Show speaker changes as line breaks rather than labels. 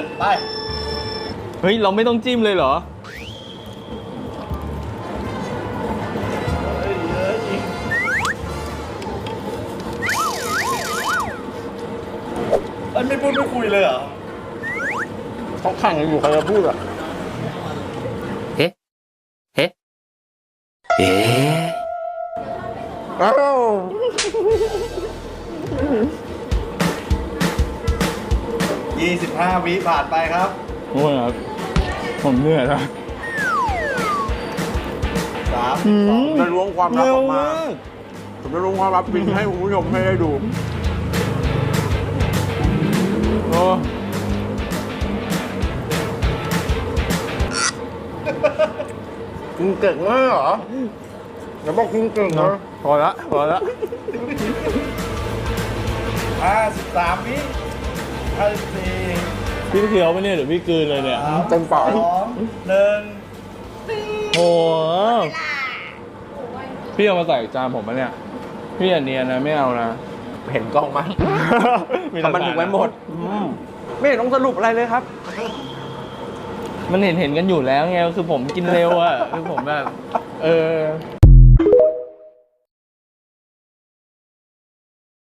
ไป
เฮ้ย เราไม่ต้องจิ้มเลยเหรอ
เฮ้ยเยอะจริงเอ้ยไม่พูดไม่คุยเลยเหรอ
เขาขังอยู่ใครจะพูดอ่ะ
เอ๊ะ เอ๊ะ เอ๊ะ
อ้าว
25 วิผ่านไปครับ
โอ้ยครับผมเหนื่อยแล้ว
3
จะล้วงความลับออกมา
เร็วก
ผมจะล้วงความลับจริงให้คุณผู้ชมให้ได้ดู
โอ้
กินเก่งมากเหรออย่าบอกกินเก่งนะ
พอละพอละ
53 วิ54
พี่เคี้ยวปะเนี่ยหรือพี่กลืนเลยเนี่ย
เต็มปาก
2 1
โอ้โหพี่เอามาใส่จานผมปะเนี่ย พี่อย่าเนียนนะไม่เอานะ
เห็นกล้องมั้ยทำมันถูกไว้หมดไม่เห็นต้องสรุปอะไรเลยครับ
มันเห็นกันอยู่แล้วไงคือผมกินเร็วอะคือผมแบบ